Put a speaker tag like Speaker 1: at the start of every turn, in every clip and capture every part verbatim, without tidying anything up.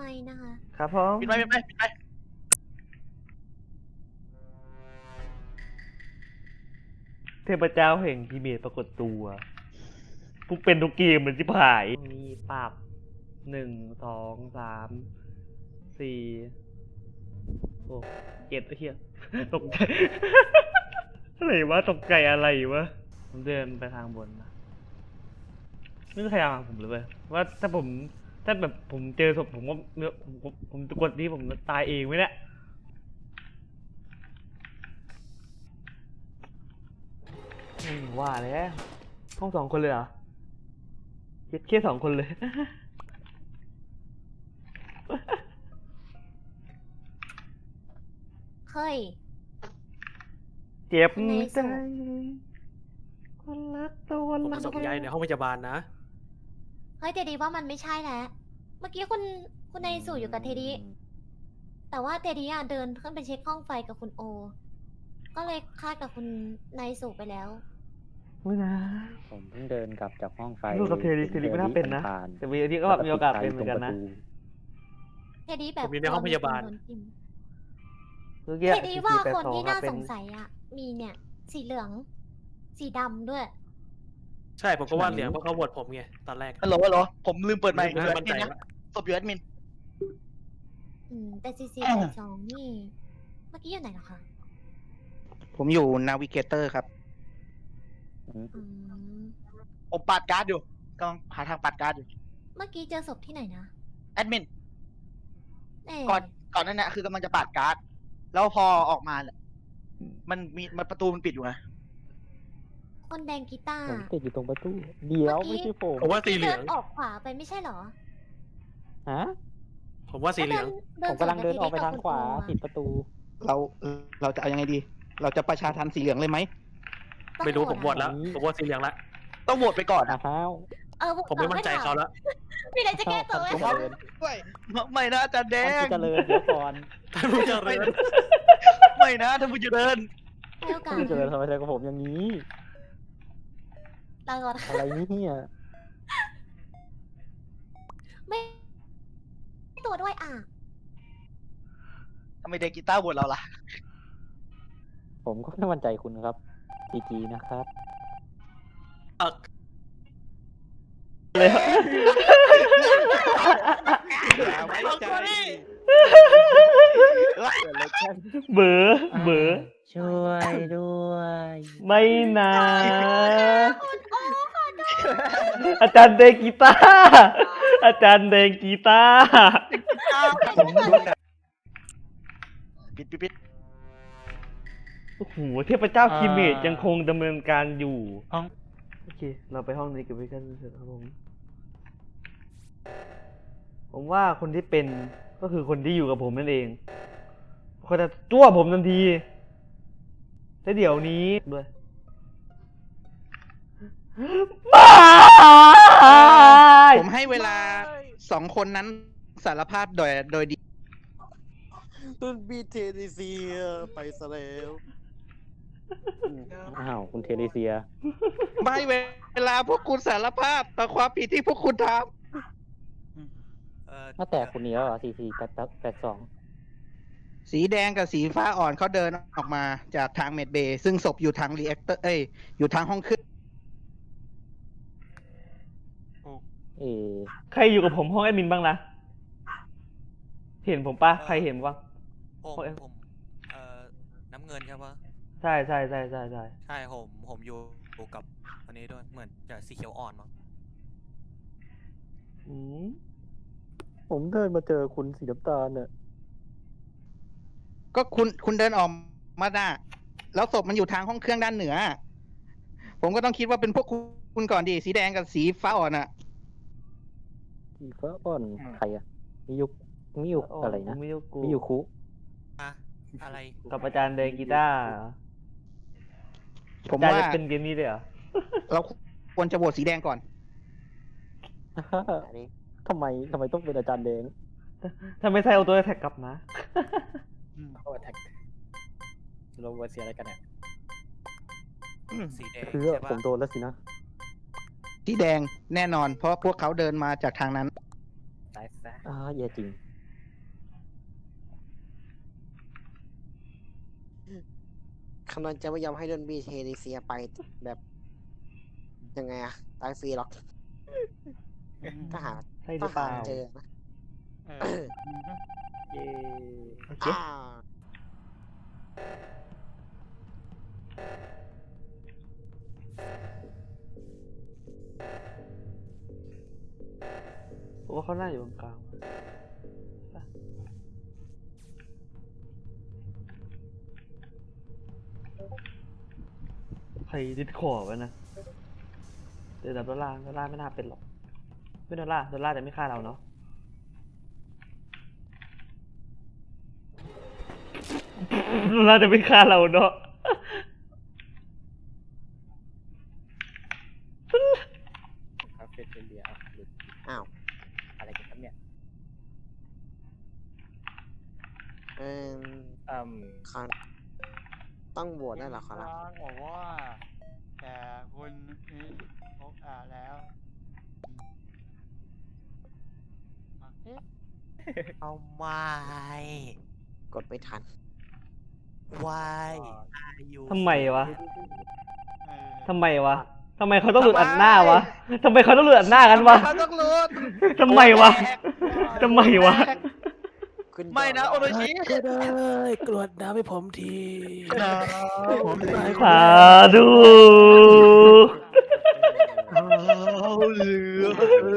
Speaker 1: มค์นะคะ
Speaker 2: ครับผม
Speaker 3: ปิดไมค์ปิดไมค์ปิดไมค์
Speaker 2: เทพเจ้าแห่งพีเมจปรากฏตัวทุกเป็นทุกเกมเหมือนที่ผายมีปรับหนึ่งสองสามสี่โอ้เจ็ดไอ้เหี้ยตกใจอะไรวะตกใจอะไรวะผมเดินไปทางบนนะไม่มีใครเอาผมเลยเว้ยว่าถ้าผมถ้าแบบผมเจอศพผมก็ผมผมผมกดนี้ผมตายเองไหมเนี่ยอืมว่าแล้วห้องสองคนเลยเหรอคิดแค่สองคนเลย
Speaker 1: เฮ้ย
Speaker 2: เจ็บ
Speaker 1: ใน
Speaker 2: ใจ
Speaker 1: สุด
Speaker 2: คนรักตัว
Speaker 4: ผม
Speaker 2: รั
Speaker 4: มา
Speaker 2: ก
Speaker 4: ส่งยายในห้องพยาบาลนะ
Speaker 1: เฮ้ยเทดีว่ามันไม่ใช่แล้ว เมื่อกี้คุณคุณนายสู่อยู่กับเทดีแต่ว่าเทดีอะเดินขึ้นไปเช็คห้องไฟกับคุณโอ ก็เลยคาดกับคุณนายสู่ไปแล้ว
Speaker 2: ไม่นะ
Speaker 5: ผมเพิ่งเดินกลับจากห้องไฟ
Speaker 2: ลูกกับเทดีเทดีไม่น่าเป็นนะ
Speaker 5: ผ่าน
Speaker 2: แต่วีทีก็แบบมีโอกาสเป็นเหมือนกันนะ
Speaker 1: เทดีแบบ
Speaker 4: ผมอยู่ในห้องพยาบาล
Speaker 1: โดนจิ้ม
Speaker 2: เมื่อกี้
Speaker 1: เทดีว่า
Speaker 2: สี่
Speaker 1: คน
Speaker 2: แปด
Speaker 1: ที่
Speaker 2: ส
Speaker 1: น่า
Speaker 2: องอะเป็
Speaker 1: สงสัยอะมีเนี่ย สีเหลือง สีดำด้วย
Speaker 4: ใช่ผมก็ว่าเหลืองเพราะเขาโหวตผมไงตอนแรก
Speaker 3: ฮัลโหลฮัลโหลผมลืมเปิดไมค์
Speaker 4: ไม่
Speaker 3: อยู่แอ
Speaker 4: มั่
Speaker 3: ด
Speaker 4: น
Speaker 3: มิ
Speaker 4: ใจ
Speaker 3: นนะ
Speaker 4: ว่า
Speaker 3: ศพอยู่แอดมิน
Speaker 1: อืม แต่ซีซีแปดสองนี่ เมื่อกี้อยู่ไหนเหรอคะ
Speaker 6: ผมอยู่นาวิเกเตอร์ครับ
Speaker 1: อืม
Speaker 3: ผมปัดการ์ดอยู่กำลังหาทางปัดการ์ดอยู่
Speaker 1: เมื่อกี้เจอศพที่ไหนนะ
Speaker 3: แอดมิน
Speaker 1: เอ๊ะ
Speaker 3: ก่อนก่อนนั้นนะคือกำลังจะปัดการ์ดแล้วพอออกมาเนี่ยมันมีมันประตูมันปิดอยู่ไง
Speaker 1: คนแดงกีตาร์
Speaker 5: ผมติดอยู่ตรงประตู เดี๋ยว
Speaker 1: เมื่อกี้
Speaker 5: ไม่ใช่ผม
Speaker 4: ผมว่าสีเหลื
Speaker 1: เดิ
Speaker 4: อง
Speaker 1: นออกขวาไปไม่ใช่เหรอ
Speaker 5: ฮะ
Speaker 4: ผมว่าสีเหลือง
Speaker 5: ผมกำลังเดินออกไปทางขวาปิดประตู
Speaker 6: เราเราจะเอายังไงดี เราจะประชาทันสีเหลืองเลยไหม
Speaker 4: ไม่รู้ผมโหวต
Speaker 1: แล้
Speaker 4: แล้ว ผมโหวตสีเหลืองละ
Speaker 3: ต้องโหวตไปก่อนอะ
Speaker 5: อ้าว
Speaker 1: เออ
Speaker 4: ผมไม่มั่นใจเขาแล้ว
Speaker 1: มีอะไรจะแก้ตัวไหม
Speaker 5: ท่านผู้เจริญ
Speaker 3: ด้วยไม่นะอาจารย์แด
Speaker 5: ท่าน
Speaker 3: ง
Speaker 5: ผู้เจริญเดี๋ยวก่อน
Speaker 4: ท่านผู้เจริญ
Speaker 3: ไม่นะท่านผู้เจริญ
Speaker 1: ให้โอกา
Speaker 5: ท่า
Speaker 1: ส
Speaker 5: นผู้เจริญทำไมทำกับผมอย่างนี้
Speaker 1: ลาก่อน
Speaker 5: อะไรเนี่ย
Speaker 1: ไม่ตัวด้วยอ่ะ
Speaker 3: ทำไมเด็กกีตาร์โหวตเราล่ะ
Speaker 5: ผมก็ไม่มั่นใจคุณครับจีจีนะครับ
Speaker 4: เอ่อ
Speaker 2: เลย
Speaker 6: อย่าไว้ใจ
Speaker 2: เบอเบอ
Speaker 5: ช่วยด้วย
Speaker 2: ไม่นะ อาจารย์เดงกีตาร์อาจารย์เดงกีตาร์
Speaker 3: ปิดปิดปิด
Speaker 2: โอ้โหเทพเจ้าคิเมจยังคงดำเนินการอยู่
Speaker 5: ห้อง
Speaker 2: โอเค เราไปห้องนี้กันไปกันเถอะครับผม ผมว่าคนที่เป็นก็คือคนที่อยู่กับผมนั่นเองเขาจะจ้วผมทันทีแต่เดี๋ยวนี้ด้วยบาย
Speaker 6: ผมให้เวลาสองคนนั้นสารภาพโดยโดยดี
Speaker 7: ตุนบีเทนิเซียไปซะแล้ว
Speaker 5: อ้าวคุณเทเรเซีย
Speaker 6: ไม่เวลาพวกคุณสารภาพต่อความผิดที่พวกคุณท
Speaker 7: เอ่อ
Speaker 5: มาแต่คุณนี้แล้วเหรอสี่สี่แปดแปดสอง
Speaker 6: ำสีแดงกับสีฟ้าอ่อนเขาเดินออกมาจากทางเมดเบย์ซึ่งศพอยู่ทางรีแอคเตอร์เอ้ยอยู่ทางห้องขึ้น
Speaker 5: เออ
Speaker 2: ใครอยู่กับผมห้องแอดมินบ้างนะเห็นผมปะใครเห็นบ้าง
Speaker 7: ผม
Speaker 2: โอ้ย
Speaker 7: ผมเอ่อน้ำเงินใช่ปะ
Speaker 2: ใช่ใช่ใช่ใช่ใช่
Speaker 7: ใช่ผมผมอยู่อยู่กับอันนี้ด้วยเหมือนจะสีเขียวอ่อนมั้ง
Speaker 2: อืม
Speaker 5: ผมเดินมาเจอคุณสีน้ำตาลเนี่ย
Speaker 6: ก็คุณคุณเดินออกมาหน้าแล้วศพมันอยู่ทางห้องเครื่องด้านเหนือ ผมก็ต้องคิดว่าเป็นพวกคุณก่อนดิสีแดงกับสีฟ้าอ่อนอะ
Speaker 5: สีฟ้าอ่อนใครอะมิยุมิยุอะไรนะ
Speaker 2: มิยุกุ
Speaker 5: มิยุคุ
Speaker 7: อะอะไร
Speaker 2: กับอาจารย์เดงกีตาร์
Speaker 6: ผม
Speaker 2: อาจารย์
Speaker 6: ว่า
Speaker 2: จะเป็นเกมนี้เลยเหรอ
Speaker 6: เราควรจะโหวตสีแดงก่อน
Speaker 5: ทำไมทำไมต้องเป็นอาจารย์แดง
Speaker 2: ถ้าไม่ใช่เอาตัวแท็กกลับนะ
Speaker 7: โอ้แท็กเราเสียอะไรกันเนี่ยสีแดง
Speaker 5: คือ
Speaker 7: ใช่
Speaker 5: ผ
Speaker 7: ปะ
Speaker 5: มโดนแล้วสินะ
Speaker 6: สีแดงแน่นอน เพราะพวกเขาเดินมาจากทางนั้น
Speaker 7: ตายซะ
Speaker 5: อ่าแย่จริง
Speaker 8: คำนวณจะไม่ยอมให้โดนบีเทนิเซียไปแบบยังไงอะตายฟรีหรอกถ้าหา
Speaker 2: ใช่หรือเป
Speaker 8: ถ้า
Speaker 2: ล่า
Speaker 8: หาเจอนะ
Speaker 6: เออ
Speaker 7: เย้
Speaker 2: โอเค
Speaker 8: อ่า
Speaker 2: ผมว่าเขาน่าอยู่ตรงกลางใครดิสคอร์ดไว้นะเดี๋ยวดับดอลลาร์ดอลลาร์ไม่น่าเป็นหรอกไม่ดอลลาร์ดอลลาร์จะไม่ฆ่าเราเนาะดอลลาร์จะไม่ฆ่าเราเนาะ
Speaker 7: คาเฟ่เทเลียอ่ะหรือ
Speaker 8: อ้าว
Speaker 7: อะไรกันครับเนี่ย
Speaker 8: เออ
Speaker 7: อืม
Speaker 8: คอนต้องโหวตได้เหรอครับ
Speaker 3: บอกว่าแต่คุณนี่พกอ่าแล้ว
Speaker 9: เอาไม่
Speaker 8: กดไม่ทัน
Speaker 9: วายอายุ
Speaker 2: ทำไมวะ ทำไมวะ ทำไมเขาต้องหลุดอัดหน้าวะ ทำไมเขาต้องหลุดอัดหน้ากันวะ
Speaker 3: เขาต้องรู้
Speaker 2: ทำไมวะ ทำไมวะ
Speaker 8: ขึ้น
Speaker 3: ไม่นะโอโรชิ
Speaker 9: ก็ได้กรวดน้ำให้ผมที
Speaker 3: ผมตาย
Speaker 2: สาธุ
Speaker 3: เอาเหลือ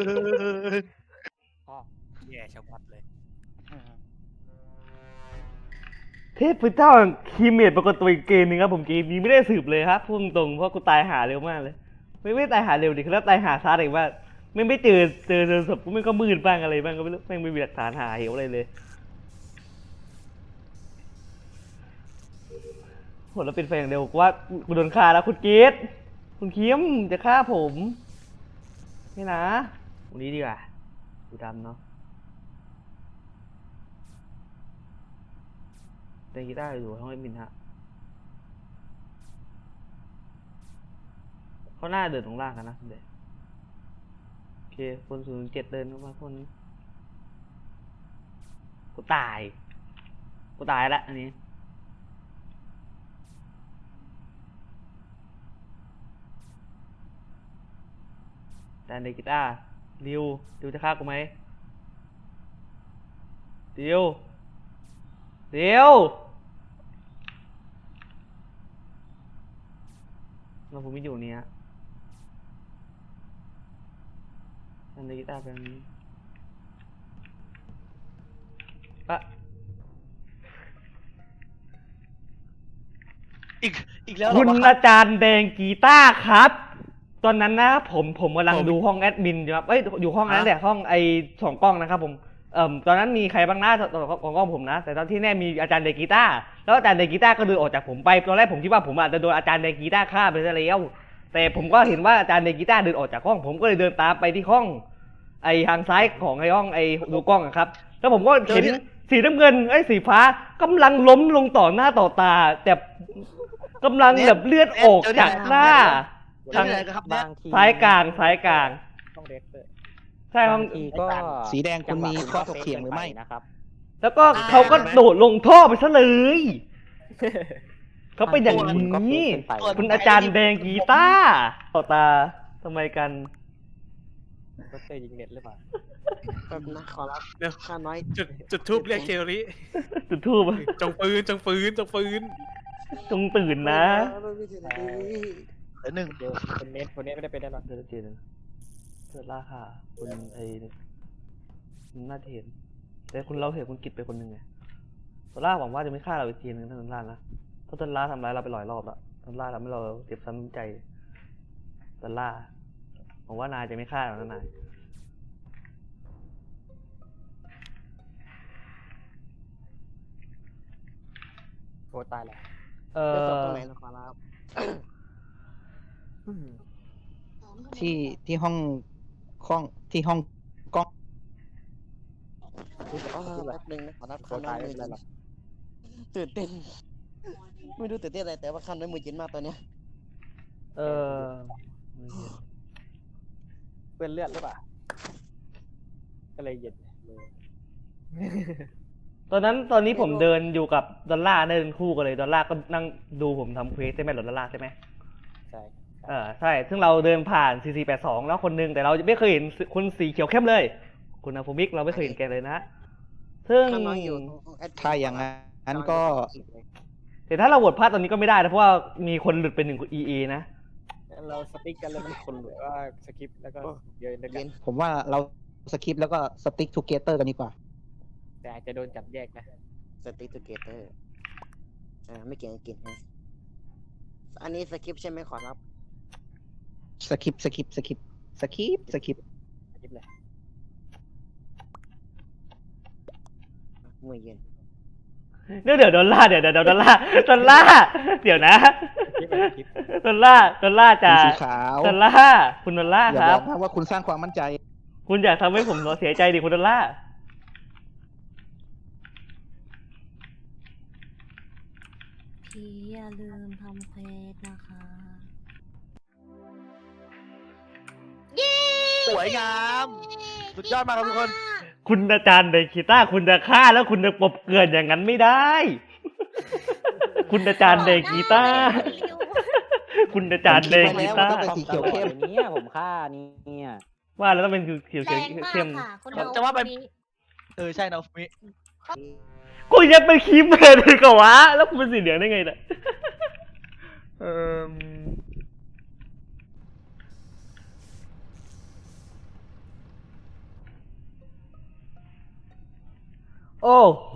Speaker 9: แย่ชะมัดเลย
Speaker 2: เทพเจ้าคีเมดปรากฏตัวอีกเกมหนึงครับผมเกมนี้ไม่ได้สืบเลยครับพูดตรงๆเพราะกูตายหาเร็วมากเลย ไม่ไม่ตายหาเร็วดิคือแล้วตายหาช้าอีกว่าไม่ไม่เจอเจอเจอศพกูไม่ก็มืดบ้างอะไรบ้างก็ไม่รู้แม่งไม่มีหลักฐานหาเหวอะไรเลยโหแล้วเป็นแฟนอย่างเดียวกูว่ากูโดนฆ่าแล้วคุณเกตคุณคิมจะฆ่าผมนี่นะวันนี้ดีกว่าดูดำเนาะเล่นกีตาร์อยู่ห้องเอ็มบินฮะเขาหน้าเดินตรงล่างกันนะเด็กโอเคคนศูนย์เจ็ดเดินเข้ามาคนกูตายกูตายละอันนี้แต่ในกีตาร์ดิวดิวจะฆ่ากูไหมดิวเดี๋ยวเราผมไม่อยู่เนี้ยอันนี้กีตาร์เป็นปะ
Speaker 3: อีกอีกแล้วเหร
Speaker 2: คุ
Speaker 3: อ
Speaker 2: ณ
Speaker 3: วะ
Speaker 2: อาจารย์แดงกีตาร์ครับ ตอนนั้นนะผมผมกำลังดูห้องแอดมินอยู่ครับเอ้ยอยู่ห้องนั้นแหละห้องไอสองกล้องนะครับผมเอ่อตอนนั้นมีใครบ้างหน้าตอนของกล้องผมนะแต่ตอนที่แน่มีอาจารย์เดกีตาร์แล้วอาจารย์เดกีตาร์ก็เดินออกจากผมไปตอนแรกผมคิดว่าผมอาจจะโดนอาจารย์เดกีตาร์ฆ่าไปซะแล้วแต่ผมก็เห็นว่าอาจารย์เดกีตาร์เดินออกจากห้องผมก็เลยเดินตามไปที่ห้องไอทางซ้ายของไอห้องไอดูกล้องอะครับแล้วผมก็เห็นสีน้ำเงินไอ้สีฟ้ากำลังล้มลงต่อหน้าต่อตาแต่กำลังแบบเลือดออกจากหน้า
Speaker 3: เจอที่ไหนกันครับเนี่ย
Speaker 5: บางที
Speaker 2: ซ้ายกลางซ้ายกลาง
Speaker 7: ต้องเรสเตอร์
Speaker 2: ใช่ห้อง
Speaker 5: บางทีก็
Speaker 6: สีแดงคุณมีข้อถกเถียงหรือไม่
Speaker 5: นะครับ
Speaker 2: แล้วก็เขาก็โดดลงท่อไปซะเลยเขาเป็นอย่างนี้คุณอาจารย์แดงกีตาร์ต่อตาทำไมกัน
Speaker 7: เรสเตอร์ยิงเน็ตหรือเปล่า
Speaker 8: แป๊บนะขอรับ
Speaker 4: เดี๋ยว
Speaker 8: ข้าน้อย
Speaker 4: จุดจุดทูบเรียกเชอรี่
Speaker 2: จุดทูบ
Speaker 4: จงปืนจงปืนจงปืน
Speaker 2: จงตื่นนะ
Speaker 8: ไม่ใช่นะดี
Speaker 3: เหลือหนึ่ง
Speaker 7: เดี๋ยวคนเน็ตคนเน็ตไม่ได้เป็นได้หรอก
Speaker 2: เดี๋ยวเจนเกิดราคาคุณไอ้คุณน่าจะเห็นแต่คุณเราเห็นคุณกิจไปคนหนึ่งไงตอนแรกหวังว่าจะไม่ฆ่าเราอีกทีนึงทั้งนั้นล่านะเพราะตอนล่าทำร้ายเราไปหลายรอบแล้วตอนล่าทำให้เราเจ็บช้ำใจตอนล่าหวังว่านายจะไม่ฆ่าเรานะนาย
Speaker 7: โคตรตายแล้ว
Speaker 2: เอ
Speaker 8: เลือกศพ
Speaker 2: อ
Speaker 8: ตรงไหนเหรอขอรับ
Speaker 6: ที่ที่ห้องห้องที่ห้องกล้อง
Speaker 8: อ๋อแป๊บนึงนะขอรับ
Speaker 7: โค
Speaker 8: ข้า
Speaker 7: ตร
Speaker 8: น้อ
Speaker 7: ตาย ย
Speaker 8: มื
Speaker 7: ไม่
Speaker 8: อ
Speaker 7: เป็นไร
Speaker 8: เย็น
Speaker 7: หรอก
Speaker 8: ตื่นเต้น ไม่รู้ตื่นเต้นอะไรแต่ว่าข้าน้อยมือเย็นมากตอนเนี้ย
Speaker 2: เออ
Speaker 7: เปื้อนเลือดหรือเปล่าก็เลยเย็นมือ
Speaker 2: ตอนนั้นตอนนี้ผมเดินอยู่กับดอลลาร์เดินคู่กันเลยดอลลาร์ก็นั่งดูผมทำเควสใช่ไหมหรอดอลลาร์ใช่ไหม
Speaker 5: ใช่
Speaker 2: เออใช่ ซึ่งเราเดินผ่าน ซี ซี แปด สอง แล้วคนหนึงแต่เราไม่เคยเห็นคนสีเขียวเข้มเลย คุณอาฟูมิกเราไม่เคยเห็นแกเลยนะ ซึ่ง
Speaker 8: ข้างน้อยอยู่
Speaker 6: ถ้าอย่างนั้นก็
Speaker 2: แต่ถ้าเราโหวตพลาดตอนนี้ก็ไม่ได้นะเพราะว่ามีคนหลุดไปหนึ่ง อี เอ นะ
Speaker 7: เราสติ๊กกันแล้วมันคนหรือว่าสคริปต์แล้วก็เดินด้วยกัน
Speaker 6: ผมว่าเราสคิปแล้วก็สติ๊กทูเกเตอร์กันดีกว่า
Speaker 7: แต่อาจจะโดนจับแยกนะ
Speaker 8: สติ๊กทูเกเตอร์อ่าไม่เกี่ยงกินฮะอันนี้สคริปต์ใช่ไหมขอรับ
Speaker 6: สคิปสคิปสคิปสคิปสคิป
Speaker 7: สคริปต์เลย
Speaker 8: มือเย็น
Speaker 2: เดี๋ยวเดี๋ยวดอลลาร์เดี๋ยวเดี๋ยวดอลลาร์ดอลลาร์เดี๋ยวนะ
Speaker 7: สคริปต์เลยสคริปต์
Speaker 2: ดอลลาร์ดอลลาร์จะ
Speaker 6: คุณสีขาว
Speaker 2: ดอลลาร์คุณดอลลาร์
Speaker 6: อย่า
Speaker 2: ครับ
Speaker 6: บอกนะว่าคุณสร้างความมั่นใจ
Speaker 2: คุณอยากทำให้ผมเสียใจดิคุณดอลลาร์
Speaker 1: พี่อย่าลืมทำเควสนะคะ เย้
Speaker 3: สวยงาม สุดยอดมากครับทุกคน
Speaker 2: คุณอาจารย์เดคิต้าคุณจะฆ่าแล้วคุณจะปบเกลื่อนอย่างนั้นไม่ได้ คุณอาจารย์เดคิต้าคุณอาจารย์เดคิต้า
Speaker 6: ผมคิดไว้แล้วว่าต้องเป็นสีเขียวเข้ม
Speaker 5: เนี่ยผมฆ่าเนี่ย
Speaker 2: ว่าแล้วต้องเป็นเขียว
Speaker 1: แร
Speaker 2: เขียว
Speaker 1: งมาก
Speaker 2: เข้ม
Speaker 1: ค่ะ คุณ
Speaker 3: จะว่าไป
Speaker 1: นี้
Speaker 3: เออใช่นะฟิ
Speaker 2: กูยังเป็นคีมเมอร์ดีกว่าวะแล้วกูเป็นสีเหลืองได้ไงเนี่ยเออโอ้โห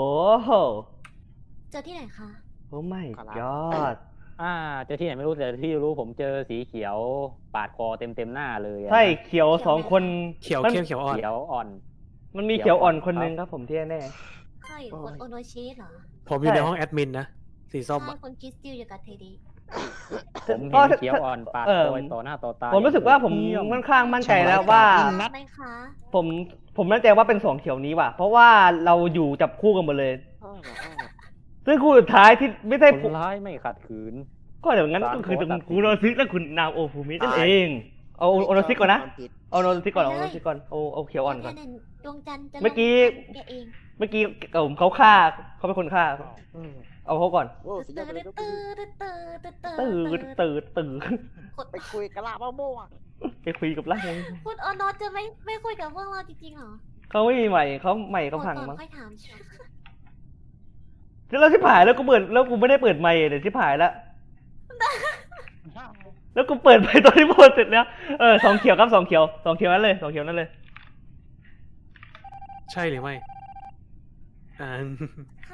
Speaker 1: เจอที่ไหนคะ
Speaker 2: โอ้ไม่ยอด
Speaker 5: อ่าเจอที่ไหนไม่รู้แต่ที่รู้ผมเจอสีเขียวปาดคอเต็มเต็มๆหน้าเลยอะ
Speaker 2: ใช่เขียวสองคน
Speaker 4: เขียว
Speaker 2: มัน
Speaker 4: เข้มเขียวอ่อน
Speaker 5: เขียวอ่อน
Speaker 2: มันมีเขียวอ่อนคนหนึงครับผมที่แน่
Speaker 1: ใช่คุณโอโนชิเหรอ
Speaker 4: ผมอยู่
Speaker 2: ใช่
Speaker 4: ในห้องแอดมินนะ สีส้ม
Speaker 1: ใช่
Speaker 4: อะ
Speaker 1: คุณคริสติลอยู่กับเทดี
Speaker 5: ผมเห็
Speaker 2: ก็
Speaker 5: นเขียวอ่อนปาด
Speaker 2: เอ่อ
Speaker 5: คอต่อหน้าต่อตา
Speaker 2: ผมรู้สึกว่าผม
Speaker 5: เยี่ย
Speaker 2: ค่อนข้างมั่นใจแล้วว่า
Speaker 1: นัดไหมคะ
Speaker 2: ผมผมมั่นใจว่าเป็นสองเขียวนี้ว่ะ เพราะว่าเราอยู่จับคู่กันหมดเลย
Speaker 8: อ้ออ้อ
Speaker 2: ซึ่งคู่สุดท้ายที่ไม่ใช่
Speaker 5: คนร้ายไม่ขัดขืน
Speaker 2: ก็เดี๋ยวงั้นก็คือ
Speaker 5: สามคน
Speaker 2: คุณโอโนซิกและคุณนามโอฟูมินั่นเองเอาโอโนซิกก่อนนะ
Speaker 8: ความผิด
Speaker 2: เอาโอโนซิกก่อนเอาโอโนซิกก่อนเอาเอาเขียวอ่อนก่อน
Speaker 1: แค่นั้นดวงจันทร์จะ
Speaker 2: เมื่อกี้
Speaker 1: แกเอง
Speaker 2: เมื่อกี้ผมเขาฆ่าเขาเป็นคนฆ่า
Speaker 8: อืม
Speaker 2: เอาเขาก่อน
Speaker 8: โอ้สุดยอดไปเลยครับ
Speaker 1: ตื่นตื่นตื่นตื่น
Speaker 2: ตื่นตื่นตื่น
Speaker 8: ไปคุยกับลาบ้าโม่อะ
Speaker 2: ไปคุยกับล่าง
Speaker 1: คุณโอโนจะไม่ไม่คุยกับพวกเราจริงๆเหรอ
Speaker 2: เขาไม่มีใหม่เขาใหม่เขาพัง
Speaker 1: ก่อน
Speaker 2: มั้ง
Speaker 1: ค่อยถามใช่ไหม
Speaker 2: แล้วที่ผ่านแล้วกูเปิดแล้วกูไม่ได้เปิดไมค์เดี๋ยวที่ผ่านแล้ว แล้วกูเปิดไปตอนที่โพสเสร็จแล้ว เออสองเขียวครับสองเขียวสองเขียวนั่นเลยสองเขียวนั่นเลย
Speaker 4: ใช่หรือไม่ อ่า
Speaker 1: ใช่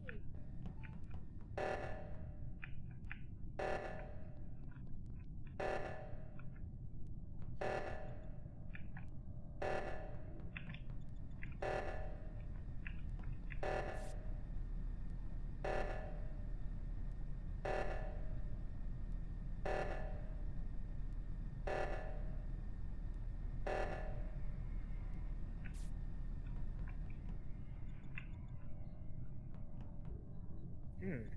Speaker 7: อืม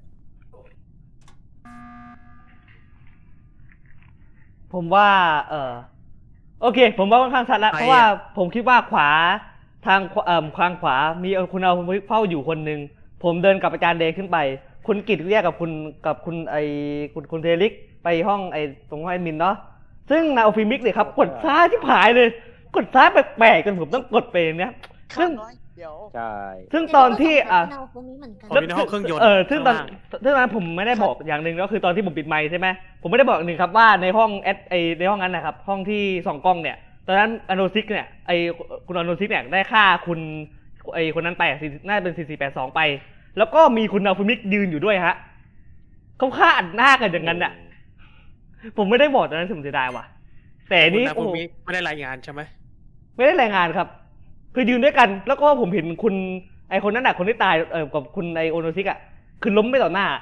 Speaker 2: ผมว่า เออโอเค ผมว่าค่อนข้างชัดแล้ว
Speaker 4: ใครอะ
Speaker 2: เพราะว่าผมคิดว่าขวาทางขวาเอ่อทางขวามีคุณเอาเฝ้าอยู่คนหนึ่งผมเดินกับอาจารย์เดย์ขึ้นไป คุณกิตแยกกับคุณกับคุณไอคุณคุณเทลิกไปห้องไอตรงห้องแอดมินเนาะซึ่งนาโอฟิมิกเนี่ยครับกดซ้ายที่ผายเลย กดซ้ายแปลกๆจนผมต้องกดไปเนี้ย ซึ่ง
Speaker 8: ข้าน้อยเดี๋ยว
Speaker 5: ใช่
Speaker 2: ซึ่งตอนที่อ่ะ
Speaker 1: เราพวกนี้เหมือนกัน
Speaker 4: ผมอยู่ในห้องเครื่องยนต์
Speaker 2: เออซึ่งตอน
Speaker 4: ข้างล่าง
Speaker 2: ซึ่งตอนนั้นผมไม่ได้บอกอย่างหนึ่งก็คือตอนที่ผมปิดไมค์ใช่ไหมผมไม่ได้บอกหนึ่งครับว่าในห้องแอดไอในห้องนั้นนะครับ ห้องที่ส่องกล้องเนี่ย ตอนนั้นอโนซิกเนี่ยไอคุณอโนซิกเนี่ยได้ฆ่าคุณไอคนนั้นไปอ่ะสี่น่าจะเป็นสี่สี่แปดสองไป แล้วก็มีคุณนาฟูมิกยืนอยู่ด้วยฮะเขาฆ่าอัดหน้ากันอย่างนั้นอ่ะ ผมไม่ได้บอกตอนนั้นผมเสียดายว่ะ แต่
Speaker 4: คุณ
Speaker 2: นี่
Speaker 4: นา
Speaker 2: โอ้
Speaker 4: ฟู
Speaker 2: โห
Speaker 4: มิไม่ได้รายงานใช่ไหม
Speaker 2: ไม่ได้รายงานครับ คือยืนด้วยกัน แล้วก็ผมเห็นคุณไอคนนั้นอ่ะคนที่ตายเออกับคุณไอโอโนซิกอ่ะคือล้มไปต่อหน้า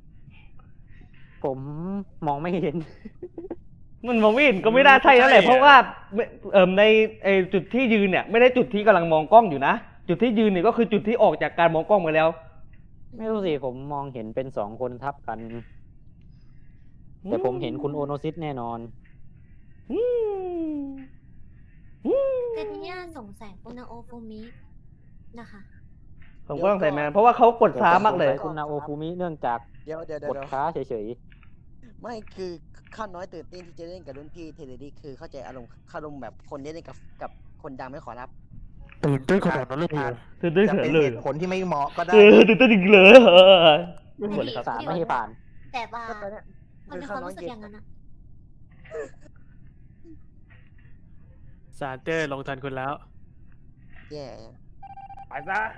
Speaker 5: ผมมองไม่เห็น
Speaker 2: มันมองไม่เห็นก็ไม่ได้ใช่แล้วแหละเพราะว่าเอ่อในไอจุดที่ยืนเนี่ยไม่ได้จุดที่กำลังมองกล้องอยู่นะจุดที่ยืนเนี่ยก็คือจุดที่ออกจากการมองกล้องมาแล้ว
Speaker 5: ไม่รู้สิผมมองเห็นเป็นสองคนทับกัน แต่ผมเห็นคุณโอโนซิสแน่นอน
Speaker 2: อืมอืม
Speaker 1: แต่ทีเนี้ยสงสัยคุณนาโอฟูมินะคะ
Speaker 2: โผมก็ต้องใส่แมนเพราะว่าเขากดช้ามากเลย
Speaker 5: คุณนาโอฟูมิเนื่องจาก
Speaker 8: เดี๋ยวเดี๋ยวเดี๋
Speaker 5: ก
Speaker 8: ยว
Speaker 5: ด
Speaker 8: เดี๋ยว
Speaker 5: ช้าเฉย
Speaker 8: ไม่คือข้าน้อยตื่นเต้นที่จะเล่นกับรุ่นพี่เทเลดี้คือเข้าใจอารมณ์อารมณ์แบบคนที่เล่นกับกับคนดังไม่ขอรับ
Speaker 9: ตื่นเต้นขนาดนั้นเลยเหรอ
Speaker 2: ตื่นเต้น
Speaker 6: จะ
Speaker 2: เขิ
Speaker 6: เป็น น
Speaker 2: เลย
Speaker 6: เหตุผลที่ไม่เหมาะก็ได้
Speaker 2: เออตื่นเต้นจริงเลยเออไม่หมดเลยครับ
Speaker 5: ๆสามไม่ให้ผ่าน
Speaker 1: แต่ว่า
Speaker 8: ก็ตอนเนี้ย
Speaker 1: มันมีความรู้สึกอย่างนั้นอะ
Speaker 4: ซานเตอร์ลงทันคุณแล้ว
Speaker 8: แย่
Speaker 7: ไปซะ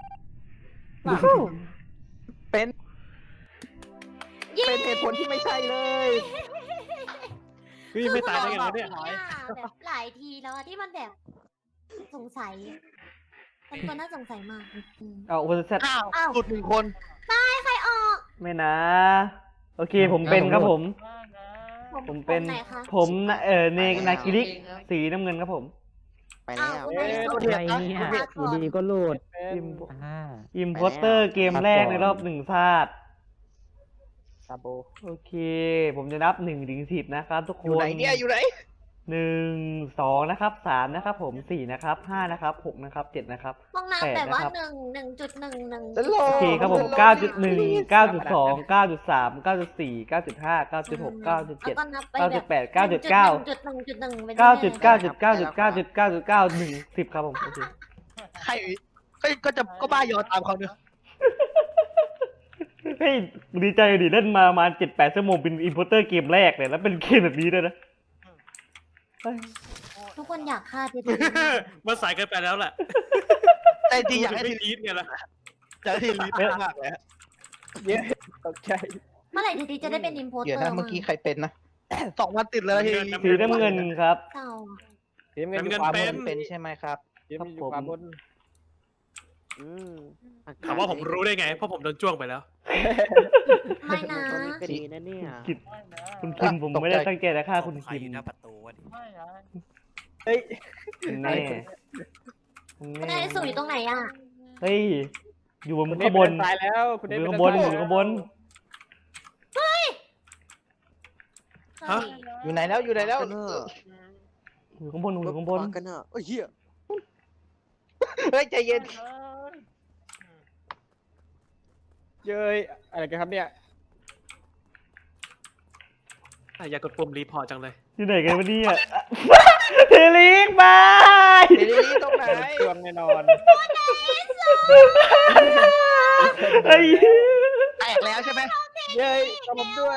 Speaker 6: เป็น
Speaker 1: เย้
Speaker 6: เป็นเหตุผลที่ไม่ใช่เลย
Speaker 4: พี่ไม่ตายได้ไงวะเนี่ย
Speaker 1: คือแบบหลายทีแล้วอะที่มันแบบสงสัยมันก็น่าสงสัยมากอืม
Speaker 2: เอาคนแซด
Speaker 3: อ้าว
Speaker 1: อ้าว
Speaker 3: หลุดหนึ่งคน
Speaker 1: ใครออก
Speaker 2: ไม่นะ โอเคผมเป็นครับผม ผมเป็น
Speaker 1: ไหนคะ
Speaker 2: ผมนะเออเนนากิริสีน้ำเงินครับผม
Speaker 8: ไปแล้ว
Speaker 1: อ้าวคุณนายสุ
Speaker 5: อะไรเนี่ยอยู่ดีก็หลุด
Speaker 2: อิม
Speaker 5: อ่า
Speaker 2: อิมโพสเตอร์เกมแรกในรอบหนึ่งชาติ
Speaker 5: ซาโบ
Speaker 2: โอเค ผมจะนับหนึ่งถึงสิบนะครับทุกคน
Speaker 6: อยู่ไหนเนี่ยอยู่ไหน
Speaker 2: หนึ่งสองนะครับสามนะครับผมสี่นะครับห้านะครับหกนะครับเจ็ดนะครับ
Speaker 1: ห้องน้ำ
Speaker 2: แปด
Speaker 1: แบบว่า
Speaker 2: นะครับ
Speaker 1: หนึ่งหนึ่งจุดหนึ่งหนึ่ง
Speaker 6: ฉันรอ
Speaker 2: โอเคครับผมเก้าจุดหนึ่งเก้าจุดสองเก้าจุดสามเก้าจุดสี่เก้าจุดห้าเก้าจุดหกเก้าจุดเจ็ด
Speaker 1: แล้วก็นับไป
Speaker 2: เก้า
Speaker 1: แบ
Speaker 2: จุด
Speaker 1: บ
Speaker 2: แปดเก้าจุดเก้า
Speaker 1: จุดหนึ่งจุดหนึ่งจุดหนึ่ง
Speaker 2: เก้าจุดเก้าจุดเก้าจุดเก้าจุดเก้าจุดเก้าหนึ่งสิบครับผมโอเค
Speaker 3: ใครก็ก็จะก็บ้ายอตามเขาเนอะ
Speaker 2: เฮ้ยดีใจดิเล่นมาประมาณเจ็ดแปดชั่วโมงเป็นอินโพเตอร์เกมแรกเลยแล้วเป็นเกมแบบนี้ด้วยนะเฮ้ย
Speaker 1: ทุกคนอยากฆ่าที
Speaker 4: มันสายเกินไปแล้วแหละ
Speaker 3: แต่จริงอยากให้
Speaker 4: ไม่
Speaker 3: ที
Speaker 4: ลีดไงล่ะ
Speaker 3: อยากให้ทีรีบมากเลยฮะ
Speaker 7: เย้ตกใจ
Speaker 1: เมื่อไหร่ทีจะได้เป็นอิมโพสเตอร์
Speaker 6: เดี๋ยวนะเมื่อกี้ใครเป็นนะ
Speaker 3: สองวันติดเลยทีรี
Speaker 2: สีน้ำเงินครับ
Speaker 1: เศร้า
Speaker 7: ทีมเงินอยู่ขวาบน
Speaker 6: เป็นใช่ไหมครับ
Speaker 7: ทีมเงินอยู่ขวาบน
Speaker 8: อืม
Speaker 4: ถามว่าผมรู้ได้ไง เพราะผมโดนจ้วงไปแล้ว
Speaker 1: ไม่นะ
Speaker 8: ตัวนี้ก็ดีนะเนี่ย
Speaker 2: กิดคุณคิมผมไม่ได้ตั้งใจจะฆ่าคุณ
Speaker 9: ใคร
Speaker 2: คิม
Speaker 9: อยู่หน้าประตูวะดิ
Speaker 7: เฮ้ย
Speaker 2: แน่
Speaker 1: คุณนายสูอยู่ตรงไหนอ่ะ
Speaker 2: เฮ้ยอยู่บน
Speaker 7: คุณเน
Speaker 2: ข้า
Speaker 7: ท
Speaker 2: งบ
Speaker 7: เป็น นตายแล้วคุณ
Speaker 2: อ
Speaker 7: เนท
Speaker 2: ยู่
Speaker 7: เป็น
Speaker 2: ข้างบน
Speaker 7: ตาย
Speaker 2: อยู่ข้างบน
Speaker 1: เฮ้ย
Speaker 4: ฮะ
Speaker 6: อยู่ไหนแล้วอยู่ไหนแล้ว
Speaker 8: กันเนอะ
Speaker 2: อยู่ข้างบนอยู่ข้างบน
Speaker 8: กันเนอะโอ้ยเหี้ย
Speaker 6: เฮ้ยใจเย็น
Speaker 7: เย้ยอะไรกันครับเนี่ย
Speaker 4: อ่ะอยากกดปุ่มรีพอร์ตจังเลย
Speaker 2: อยู่ไหนกันวะเนี่ยเทลิกบาย
Speaker 6: เดี๋ยวนี้ตรงไหน
Speaker 7: จวงแน่นอน
Speaker 2: ไอ้
Speaker 3: แตกแล้วใช่ไหม
Speaker 7: เย้ยตบผมด้วย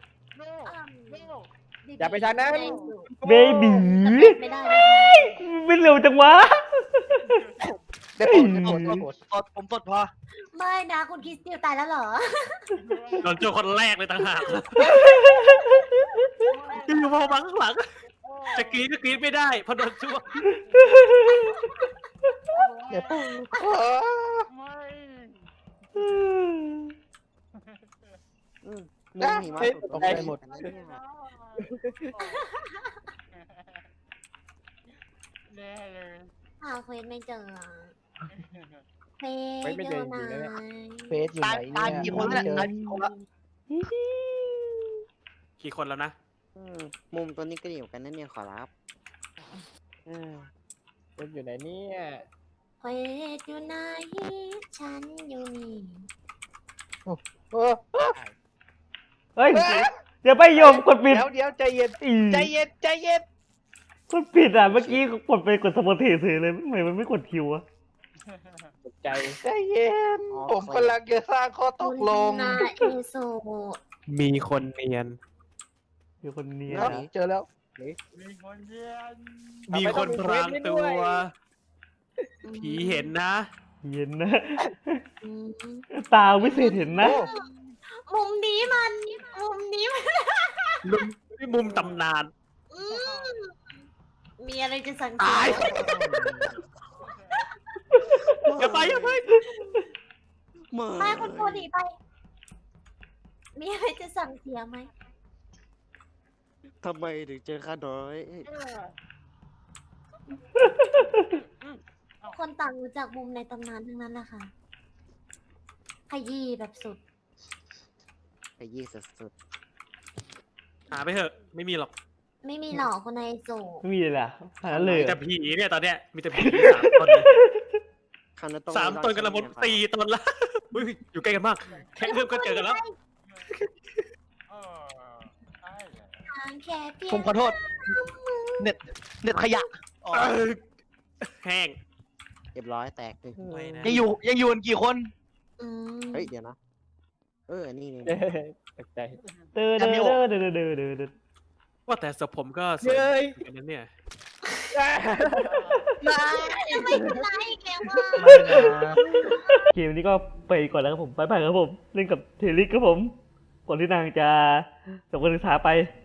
Speaker 7: อย่าไปทางนั้น
Speaker 2: เบบี
Speaker 1: ไม่ได้นะคะ
Speaker 2: ไม่เร็วจังวะ
Speaker 6: ได้ผลได้ผลได้ผล
Speaker 3: สดผมสดพอ
Speaker 1: ไม่นะคุณคริสติวตายแล้วเหรอ
Speaker 4: โดนจ้วงคนแรกเลยต่างหากอยู่พอมาข้างหลัง จะกรีดก็กรีดไม่ได้เพราะโดนจ้วง
Speaker 6: เดี๋ยวปุ๊บ
Speaker 8: มุมหิมะ
Speaker 7: เฮ้ย
Speaker 8: ตก
Speaker 7: ตกใจหมด
Speaker 8: กันนะเนี่ย
Speaker 1: หาเควสไม่เจออะเคว
Speaker 7: เควสไม่เจอ
Speaker 1: อยู่
Speaker 7: จริงๆนะเนี่ย
Speaker 1: ไหน
Speaker 6: เฟสอยู่
Speaker 3: ตา
Speaker 6: ไห
Speaker 3: ย
Speaker 6: น
Speaker 3: ตาย
Speaker 6: เนี่ย
Speaker 3: กี่คนแล้ว
Speaker 6: เจอ
Speaker 3: ตายกี่คนแล้ว
Speaker 4: กี่คนแล้วนะ
Speaker 8: อืมมุมตัวนี้ก็ดีเหมือนกันนั่นเนี่ยขอรับอืม
Speaker 7: เควสอยู่ไหนเนี่ย
Speaker 1: เควสอยู่ไหนฉันอยู่นี่
Speaker 6: เออ
Speaker 2: เฮ้ยเดี๋ยวไปโยมกดปิด
Speaker 6: เดี๋ยวเดี๋ยวใจเย็น
Speaker 2: อี
Speaker 6: ใจเย็นใจเย็น
Speaker 2: กดปิดอ่ะเมื่อกี้กดไปกดสมอเทเฉยเลยทำไมมันไม่กดคิวอะ
Speaker 7: ตกใจ
Speaker 6: ใจเย็น ผมกำลังจะสร้างข้อตกลง
Speaker 1: คุณนาเอโซ
Speaker 4: มีคนเนียน
Speaker 2: อยู่คนเนี้ย
Speaker 6: ครับเจอแล้ว
Speaker 4: มีคนพรางตัว ผีเห็นนะ
Speaker 2: เย็นนะ
Speaker 1: อืม
Speaker 2: ตาวิเศษเห็นนะ
Speaker 1: มุมนี้มันมุมนี้มัน
Speaker 4: มุมที่มุมตำนาน
Speaker 1: อืมมีอะไรจะสังเก
Speaker 4: ตาย
Speaker 1: ต
Speaker 4: อย่าไปอย่าไป
Speaker 1: ไปคุณโคดีไป มีอะไรจะสั่งเสียไหม
Speaker 8: ทำไมถึงเจอข้าน้อย
Speaker 1: คนต่างรู้จักมุมในตำนานทั้งนั้นแหละค่ะขยี้แบบสุด
Speaker 8: ไอ้ยี่สุด
Speaker 4: หาไปเถอะ ไม่มีหรอก
Speaker 1: ไม่มีหลอกคนในโซ
Speaker 2: ไม่มีเลยล่ะขนาดนั้นเลย
Speaker 4: มี
Speaker 2: เหร
Speaker 4: แต่
Speaker 2: อ
Speaker 4: ผีเนี่ยตอนเนี้ย มีแต่ผีสามคนเลย
Speaker 8: ๆข้าาวนี้ต้อง
Speaker 4: สาม
Speaker 8: ไล่
Speaker 4: ตนกันละหมด
Speaker 8: ใช่ไห
Speaker 4: สี่ตนละอุ้ยอยู่ใกล้กันมาก แค่เริ่มก็เจอกันแล้ว
Speaker 1: ทางแค่เพียง
Speaker 3: ผมขอโทษ เน็ตเน็ตขยะอ๋อ
Speaker 4: เออแห้ง
Speaker 8: เรียบร้อยแตกเลย
Speaker 9: ไม่นะ
Speaker 3: ยังอยู่ยังอยู่กันกี่คน
Speaker 1: อืม
Speaker 8: เฮ้ยเดี๋ยวนะ เออนี่นี่
Speaker 7: ตกใจ
Speaker 2: เด้อเด้อเด้อเด้อเด้อเด้อเด้อ
Speaker 4: ว่าแต่ศพผมก็สวย
Speaker 7: เย้ย
Speaker 4: เหมือนกันนะเนี่ย
Speaker 1: จะไม่เป็นไรแกว่า
Speaker 2: เกมนี้ก็ไปก่อนแล้วครับผม ไปไปครับผม เล่นกับเทลิกครับผม ก่อนที่นางจะจบการศึกษาไป